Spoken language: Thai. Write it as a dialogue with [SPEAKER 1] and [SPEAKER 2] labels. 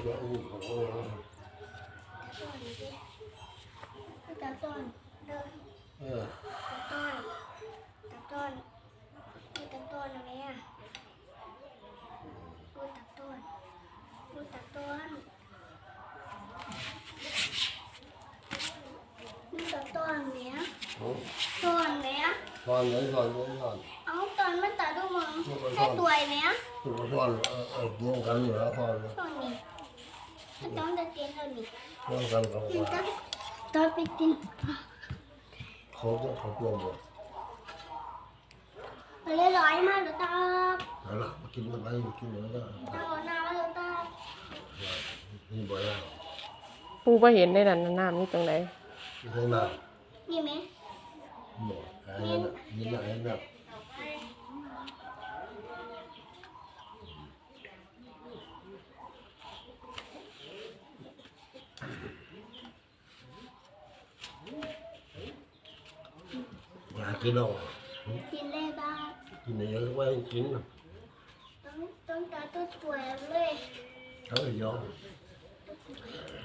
[SPEAKER 1] จะอู้ของเรา
[SPEAKER 2] ตาต้นเดินตาต้นตาต้นอะไรอ่ะดูตาต้นดูตาต้นดูตาต้นเนี้ยต้นเนี้ย
[SPEAKER 1] ตอนไหนตอน
[SPEAKER 2] เอาต้นมันตาดูมึงได้ตัวเนี้ย
[SPEAKER 1] ตัวตอนเกี่ยงกันอยู่แล้วตอน
[SPEAKER 2] ต้นนี้ต้นจะเตียนต้นนี้
[SPEAKER 1] เกี่ยงกันกับว่า
[SPEAKER 2] ต้นไปกิน
[SPEAKER 1] เขาเกี่ยงหมด
[SPEAKER 2] เลยร้อยมาหรือตา
[SPEAKER 1] เอาละมากินอะไรกินอะไรก็
[SPEAKER 2] ตาหน้าหรือตา
[SPEAKER 1] นี่บ่อยแล้ว
[SPEAKER 3] ปูบ่เห็นได้นั่นน้ำนี่ตรงไหน
[SPEAKER 1] ใช่ไหม
[SPEAKER 2] นี่ไหม
[SPEAKER 1] บ่นี่นะอยากกินหรอ
[SPEAKER 2] กินเลยบ้าง
[SPEAKER 1] กินอะไรก็ไม่กิน
[SPEAKER 2] ต้องตาตัวสวยเลย
[SPEAKER 1] เขาไม่ยอม